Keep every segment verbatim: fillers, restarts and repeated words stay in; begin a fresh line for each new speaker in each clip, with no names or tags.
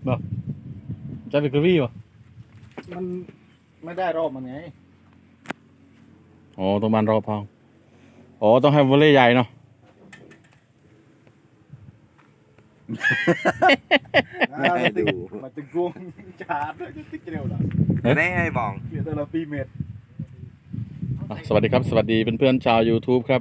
บ่จะเป็นกระวี่บ่
มันไม่ได้รอบมันไง
อ๋อต้องบานรอบพองอ๋อต้องให้วอลเลย์ใหญ่เนาะ
ไม่ดูมันจะกวงชาร์จติ๊กเร็วหรอ
แน่ไอ้บอง
เหลือแต่ละปีเม็ด
สวัสดีครับสวัสดีเพื่อนๆชาว YouTube ครับ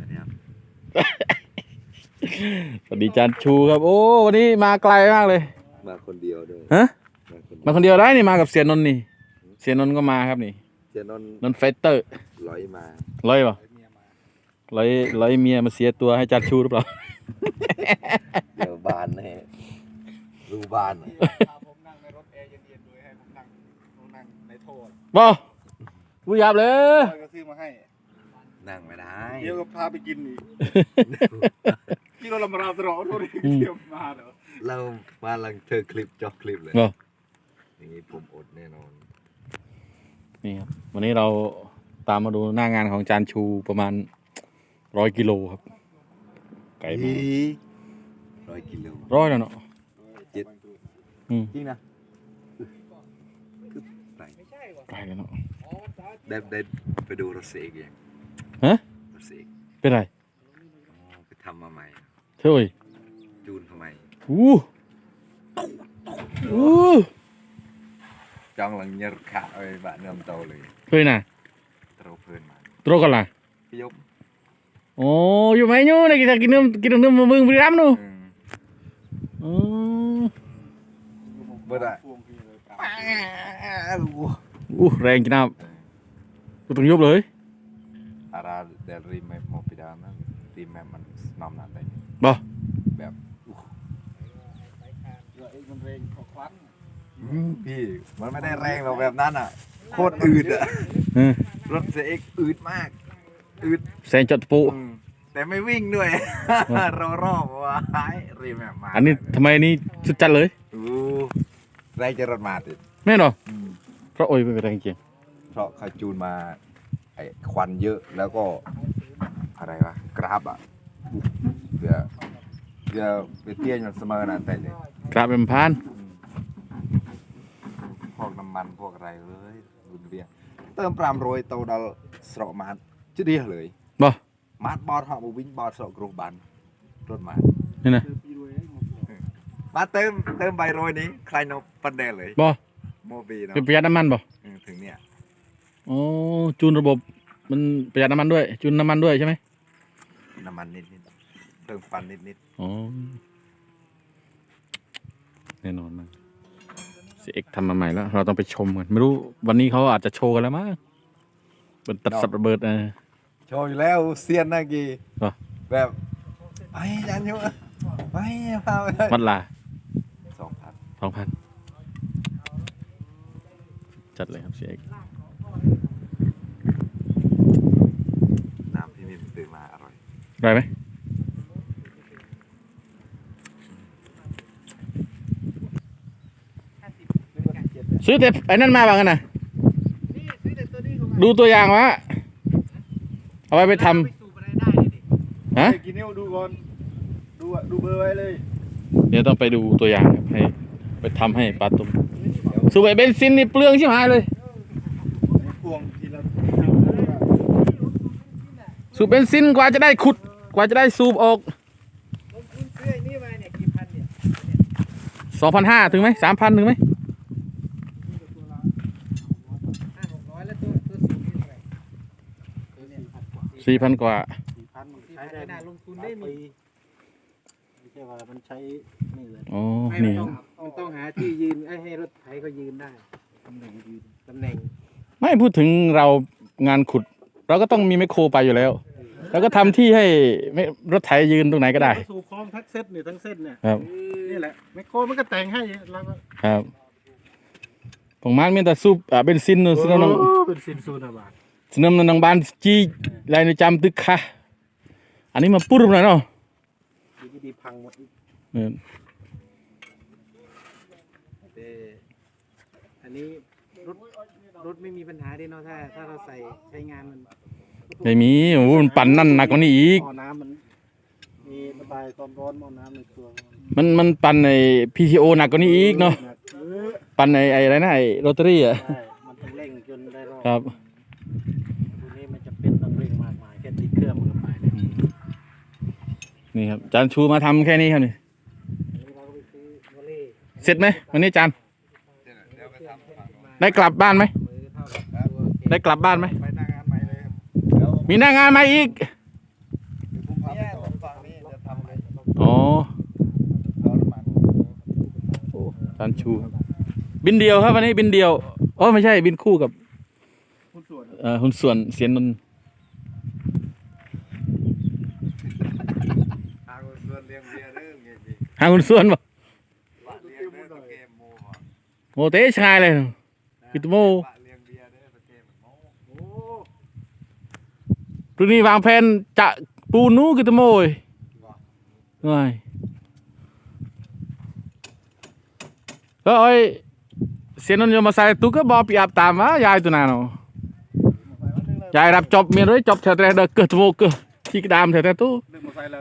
สวัสดีจานชูครับโอ้วันนี้มาไกลมากเลย
มาคนเดียวด้วย
ฮะมาคนเดียวได้นี่มากับเสียนนท์นี่เสียนนท์ก็มาครับนี่
เสียนนท์
นนท์ไฟเตอร์
ร้อยมา
ร้อยป่ะร้อยร้อยเมียมาเสียตัวให้จานชูหรือเปล่า
เดี๋ยวบานแน่รูบาน
ผมนั่งในรถแอร์เย็นๆด้วยให้ผมนั่งผมนั่งในโทษ
บ่กูหยาบเลย
ก็ซื้อมาให้
นั่งไม่ได้
เดี๋ยวก็พาไปกินอีกที่เราลำราตรอโทษเที่ยวมาเหรอ
เรามาลังเธอคลิปจอกคลิปเลยอย่างนี้ผมอดแน่นอน
นี่ครับวันนี้เราตามมาดูหน้างานของจานชูประมาณร้อยกิโลครับไก่มา
ร้อยกิโล
ร้อยแล้วเนาะ
เจ็ดจริงนะ
ไก่แล้วเนาะ
ได้ได้ไปดูรถเสกยัง
ฮะ
รถเสก
เป็นไร
ไปทำมาใหม่
เฮ้ย
จูนทำไม
อู้อู้
จองหลังเนื้อขาดเลยบ้านเนื้อโตเลย
เฮ้ยน่ะ
โตเพิ่นมา
โตกันล่ะ
พี่ยก
โอ้อยู่ไหมยูนี่kitaกินเนื้อกินเนื้อมือมือริมนู่อ๋อ
เบิดอ่ะ
อู้แรงจริงนะกูต้องยุบเลย
อาราเดรีแมปโมปิดานะรีแมปมันนอมนานได้
บ่
แบบ
มันแรงกว่าควัน
พี่มันไม่ได้แรงหรอกแบบนั้นอ่ะโคตรอืดอ่ะรถเซกอืดมากอืด
แซงจอดปู
แต่ไม่วิ่งด้วยรอรอบว่าหายรีแมปมา
อันนี้ทำไมนี่สุดจัดเลย
อู้แรงจะรถมาติด
แม่เนาะเพราะโอ้ยเป็นแรงจริง
เพราะเขาจูนมาไอ้ควันเยอะแล้วก็อะไรวะกราบอ่ะเดี๋ยวเดี๋ยวไปเตี้ยนมันเสมอนะแต่เนี่ย
กราบเป็นพัน
พวกน้ำมันพวกอะไรเลยบุญเบียเติมปรามโรยโตดอลสระมาดจะดีเลย
บ่
มาดบอดหอบวิ่งบอดสระกรุบันรถมา
นี่นะ
มาเติมเติมใบโรยนี้ใครนกปันแดเลย
บ่
โมบีเนาะ
เป็นประหยัดน้ำมันบ่
ถึงเนี่ย
อ๋อจูนระบบมันประหยัดน้ำมันด้วยจูนน้ำมันด้วยใช่ไหม
น้ำมันนิดนิดเติมฟันนิดนิด
อ๋อแน่นอนมากเสียเอกทำมาใหม่แล้วเราต้องไปชมกันไม่รู้วันนี้เขาอาจจะโชว์กันแล้วมั้งเป็นตัดสับระเบิดนะ
โชว์อยู่แล้วเซียนนะกีแบบไปยันอยู่ไปพาไป
วัดลา
สองพัน
สองพันจัดเลยครับเสียเอก
น้ำที่นี่ตื่นมาอร่อย
อร่อยไหมซื้อแต่ไอ้นั่นมาบ้างกันนะดูตัวอย่างวะเอาไว้ไปทำฮะ
กินเนี้ยดูก่อนดูดูเบอร์ไว้เลย
เดี๋ยวต้องไปดูตัวอย่างครับให้ไปทำให้ปลาตุ้มสูบไอเบนซินนี่เปลืองชิบหายเลยสูบเบนซินกว่าจะได้ขุดกว่าจะได้สูบออกสองพันห้าถึงไหมสามพันถึงไหมสี่พันกว่า
ใช้ได้ลงทุนได้มีไม่ใช่ว่ามันใช้นี่เลย
อ๋อนี่
มันต้องหาที่ยืนให้รถไถเขายืนได้ตำแหน่งยืนตำแหน่ง
ไม่พูดถึงเรางานขุดเราก็ต้องมีไมคโครไปอยู่แล้วแล้วก็ทำที่ให้รถไถยืนตรงไหนก็ได้
สูบคลองทั้งเส้นเนี่ยทั้งเส้นเนี่ย
ครับ
นี่แหละไมคโครมันก็แต่งให้แล้ว
ครับของมันมีแต่สูบอ่าเบนซินนู่นซึ่งน้อง
เบนซินสูบอะไร
ซึ่งน้องน้องบ้านจีลายในจำตึกค่ะอันนี้มาปุ๊บหน่อยเนาะ
ดีพังหมดอันนี้รถรถไม่มีปัญหาดิเนาะถ้าถ้าเราใส่ใช้งานมัน
ไม่มีโอ้มันปั่นนั่นหนักกว่านี้อีก
หม้อน้ำมันมีระบายความร้อนหม้อน้ำในตัว
มันมันปั่นในพีทีโอหนักกว่านี้อีกเนาะ
เออ
ปั่นในไอ้อะไรนะไอ้โรตารี่อ่ะ
ใช่มันต้องเร่งจนได้รอบ
ครับ
ตัวนี้มันจะเป็นต้องเร่งมากมายแค่ติดเครื่องมันก็ไปเลย
นี่ครับจานชูมาทำแค่นี้ครับนี่
อันนี้เราก็ไปซื้อวอลเล่
เสร็จไหมวันนี้จาน
เดี๋ยวไปทำฝั่งนู้น
ได้กลับบ้านไหม
มือเท่ากับตัวเค
ได้กลับบ้านไหม
ไปหน้างานใหม่เลยครับเดี๋ยว
มีหน้างานมาอีก
เดี๋ยวผมพาไปต่อฝั่งนี้จะทำอะไร
อ๋อ
เอาน้ำมัน
โอ้จานชูครับบินเดียวครับวันนี้บินเดียวอ๋อไม่ใช่บินคู่กับ
หุ้นส่วน
เอ่อหุ้นส่วนเสียนนนท์
ทางส่วนเลี้ยงเบียร์เด้อเงี้ยพี่
หาหุ้นส่วนบ่
เลี้ยงเด้อตะเกมโม่บ่
โมเตชายเลยกิตโม
ปะเลี้ยงเบียร์เด้อตะเกมโม่
โอ้
พรุ่งนี้วางแผนจะปูนูกิตโมยง่ายก็ไอ้เสียนนท์โยมาใส่ตุกก็บอกปีอาบตามวะยายตัวนั้นเนาะยายรับจบเมียด้วยจบแถวแต่เด็กเกิดโมเกิดที่กระดามแถวแต่ตู้
ดึงมาใส่เลย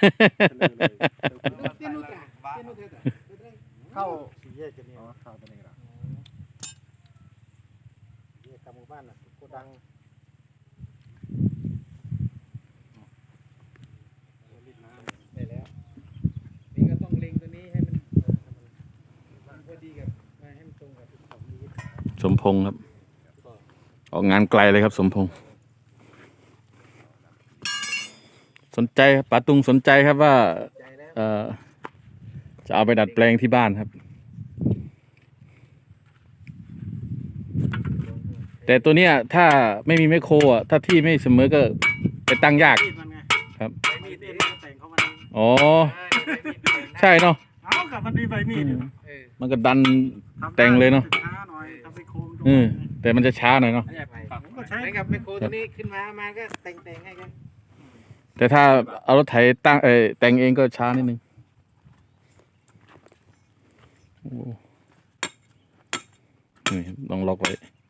เข้าสี่แยกจะมีเข้าตัวนี้ครับสี่แยกกลางหมู่บ้านน่ะโกดังได้แล้วนี่ก็ต้องเล็งตัวนี้ให้มันมันพอดีกับให้มันตรงกับของนี้
สมพงษ์ครับออกงานไกลเลยครับสมพงษ์สนใจครับป๋าตุงสนใจครับว่า
ใจแล้ว
เอ่อจะเอาไปดัดแปลงที่บ้านครับ แต่ตัวเนี้ยถ้าไม่มีแมคโครอ่ะถ้าที่ไม่เสมอก็ไปตั้งยาก
มีดมันไง
ครับ
ใบมีดเองมันก็แต่งเข้ามาเอง
อ๋อใช่เนาะ
เอากับมันมีใบมีดอยู่เออ
มันก็ดัน
ทำ
แต่งเลยเนอะ
ช้าหน่อยทำไปโค้งตรง
เออ
นั้น
แต่มันจะช้าหน่อยเนาะ
ผมก็ใช้กับไมโครตัวนี้ขึ้นมามาก็แต่งแต่งให้กัน
แต่ถ้าเอารถไถตั้งเออแต่งเองก็ช้านิดนึงโอ้นี่ลองล็อกไว้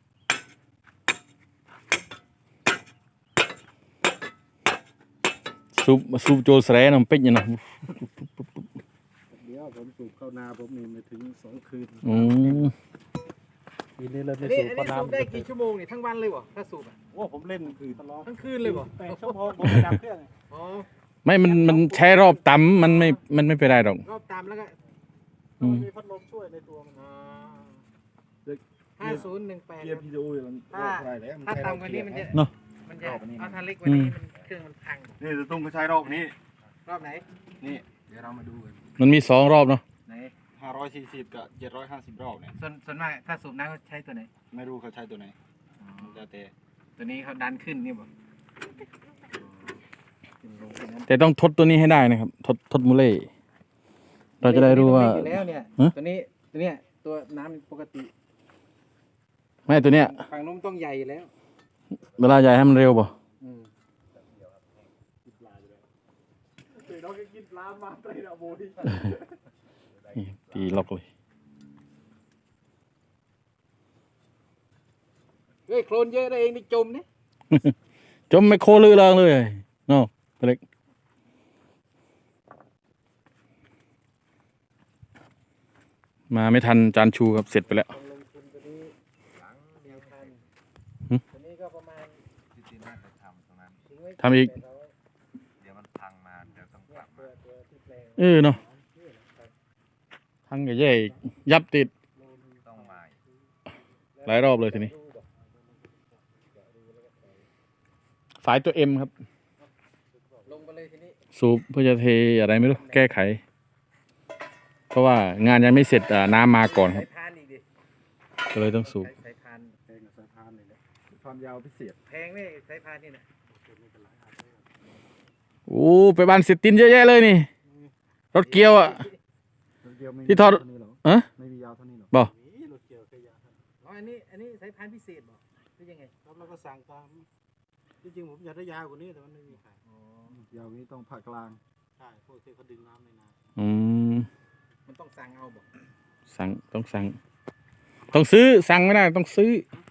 ซูบซูบโจสแรน้ำเป็ดเนี่ยนะ
เดี๋ยวผมสูบเข้านาผมนี่มาถึงสองคืน
อืม
ปีนี้เริ่ม
อั
ไม่
นนี้
สูบ
อัน
เพราะ
นี้สูบ
น้ำ
ได้กี่ชั่วโมงเนี่ยทั้งวันเลยวะถ้าสูบอ่ะ
โอ้ผมเล่นคืนตลอด
ทั้งคืนเลยวะ
แปดชั่วโมงผมไปดับเครื่อง
อ๋อ
ไม่มันมันใช้รอบต่ำมันไม่มันไม่เป็นไรหรอก
รอบตามแล้วก็
อืม
มีพัดลมช่วยในตัวมัน
อ๋อห้าศูนย์หนึ่งแปด
เกียร์พีดีโอมัน
ถ้า
อะไรแล้ว
ถ้าต่ำกว่านี้มันจะ
เนอะ
มันจะเอาถ้าเล็กกว่านี้มันเครื่องมันพัง
นี่จะต้องใช้รอบนี้
รอบไหน
นี่เดี๋ยวเรามาดูกัน
มันมีสองรอบเนาะ
ไหน
ห้าร้อยสี่สิบกับเจ็ดร้อยห้าสิบรอบเนี่ย
ส่วนส่วนมากถ้าสูบน้ำเขาใช้ตัวไหน
ไม่รู้เขาใช้ตัวไหนแล้วแต่
ตัวนี้เขาดันขึ้นนี่บ่
แต่ต้องทดตัวนี้ให้ได้นะครับ ทดทดมูเล่เราจะได้รู้ว่า
อยู่แล้วเนี่ย
ฮะ
ตัวนี้ตัวเนี้ยตัวน้ำปกติ
ไม่ตัวเนี้ย
ฝั่งนู้นต้องใหญ่อยู่แล้ว
เวลาใหญ่ให้มันเร็วป่ะ
อืม
เราก็กินปลามาไตรดาโบดี
นี่ตีล็อกเลย
เฮ้ยโคลนเยอะได้เองนี่จมนี่
จมไม่โคลือเริงเลยเนาะเล็กมาไม่ทันจานชูครับเสร็จไปแล้ว
ลงทุนตัวนี้หลังเดียวกัน
หึ
ตัวนี้ก็ประมาณ
ที่ที่น่าจะทำตรงนั้น
ทิ้งไว้
ทำอีก
แปดร้อย
เดี๋ยวมันพังมาเดี๋ยวต้องก
เนี่ย
ลับ
ตั
มาว
ตัวที่แปลง
เออเนาะทั้งกับแย่อีกยับติด
ต้องมาอีก
หลายรอบเลยทีนี้ สายตัวเอ็มครับ
ลงไปเลยทีนี้
สูบเพื่อจะเทอะไรไม่รู้ แก้ไข เพราะว่างานยังไม่เสร็จอ่าน้ำมาก่อนครับ
สายพานอีกดิ
ก็เลยต้องสูบ
สายพาน
แพงกับสายพานเลยนะความยาวพิเศษ
แพงนี่สายพานนี่นะ
โอ้ไปบ้านเสร็จตินเยอะแยะเลยนี่ รถเกียวอ่ะ
เดียวไม่มี
ที่ทอด
เท่านี้หรอ
เอะ
ไม่มียาวเท่านี้หรอ
บ่
นี่รถเกี่ยวแค่ยาวเท่านี้
อ๋ออันนี้อันนี้สายพานพิเศษบอกหรือยังไง
ครับเราก็สั่งตามที่จริงผมอยากได้ยาวกว่านี้แต่มันไม่มีขาย
อ๋อย
าวกว่านี้ต้องผ่ากลางใช่พวกที่เขาดึงน้ำในนา
อืม
มันต้องสั่งเอาบอก
สั่งต้องสั่ง ต้องซื้อสั่งไม่ได้ต้องซื้อ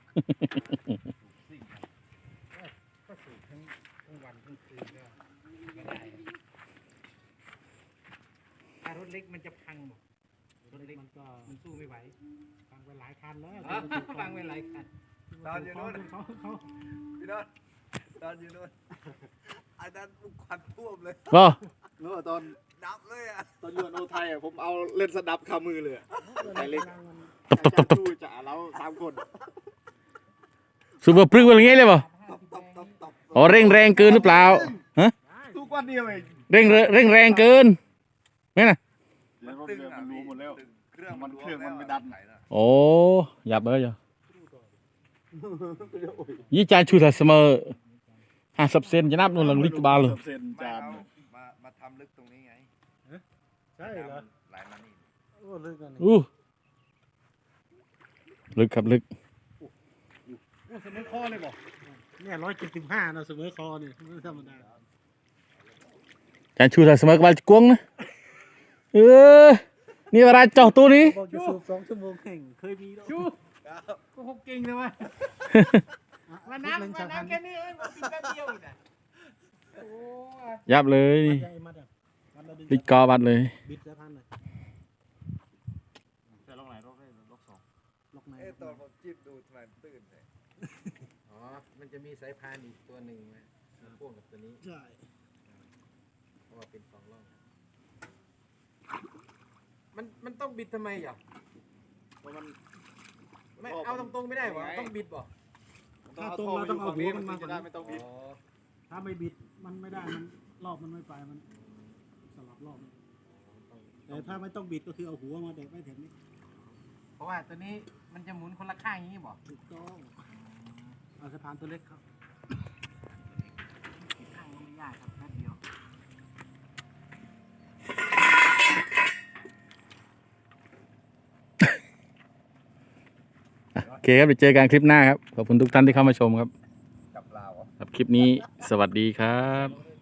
ก็สูบทั้งทั้งวันทั้งคืนก็ไม่ได้ถ้ารถเล็กมันจะพังบอก
รถเล็กมันก็
มันสู้ไม่ไหว
ฟังไปหลายคันแล้ว
อ๋อฟังไว้หลายคัน
ตอนอยู่โน่น
เขาเขา
พี่โนนตอนอยู่โน่นอันนั้นลูกควันท่วมเลย
ก็
เมื่อตอน
ดับเลยอ่ะ
ตอนอยู่โนไทยอ่ะผมเอาเล่นสนับคามือเลยอะไทยเล็ก
ตบตบตบตบ
ดูจ่าเราสามคน
สูบปรึกอะไรเงี้ยเลยป่ะ
ตบตบตบตบ
อ๋อเร่งแรงเกินหรือเปล่าฮะ
ทุกวันเดียวเอง
เร่งเร่งเร่งแรงเกินไม่นะ
มันตึงมันรู้หมดแล้ว
เครื่อง
มันเครื่องมันไม่ดัน
โอ้หยับเลยจ้ะยี่จานชูถ้าเสมอห้าสิบเซนจะนับนู่นละลิกบาลเลย
เซน
ไม่
จาน
เอามามาทำลึกตรงนี้ไง
ใช่เหรอ
ไหลมานี่
โอ้ลึกอันนี้
อู้ลึกครับลึก
โอ้เสมอคอเลยบอกเนี่ยร้อยเจ็ดสิบห้าเนาะเสมอคอนี่ไม่ธรรมดา
จานชูถ้าเสมอกบาลจะกวงนะเออนี่เวลาเจาะตัวนี้
บอกจะสูบสองชั่วโมงแข่งเคยมีชูก็คงเก่งเลยวะวันน้ำวันน้ำแค่นี้เองกินแป๊บเดียวอีกนะโอ้ย
ยับเลย
มัดใหญ่มัดอ่ะมัดละดึง
ลิกกอบัดเลย
บิดสะพานเลย
แต่ลงไหนลงได้ลงสอง
ล็อกใน
เอ๊ะตอนผมจิ้มดูทำไมมันตื้นเลย
อ๋อ มันจะมีสายพานอีกตัวหนึ่งนะมันพ่วงกับตัวนี้
ใช่
เพราะว่าเป็นสองร่องมันมันต้องบิดทำไมอ่ะ
เพราะมัน
ไม่เอาตรงๆไม่ได้หรอต้องบิดบ่
ถ้าตรงเราต้องเอาหัวมันมาจะได้ไม่ต้องบิด
อ๋อ
ถ้าไม่บิดมันไม่ได้มันรอบมันไม่ไปมันสลับรอบ
ต้อง
แต่ถ้าไม่ต้องบิดก็คือเอาหัวมาแดกไว้แถวนี้
เพราะว่าตัวนี้มันจะหมุนคนละข้างอย่างนี้บ่
ถูกต้องเอาสะพานตัวเล็กครับ
อีกข้างก็ไม่ยากครับแป๊บเดียว
โอเคครับไปเจอกันคลิปหน้าครับขอบคุณทุกท่านที่เข้ามาชมครับ
กับลาวเหรอ
ครับคลิปนี้สวัสดีครับ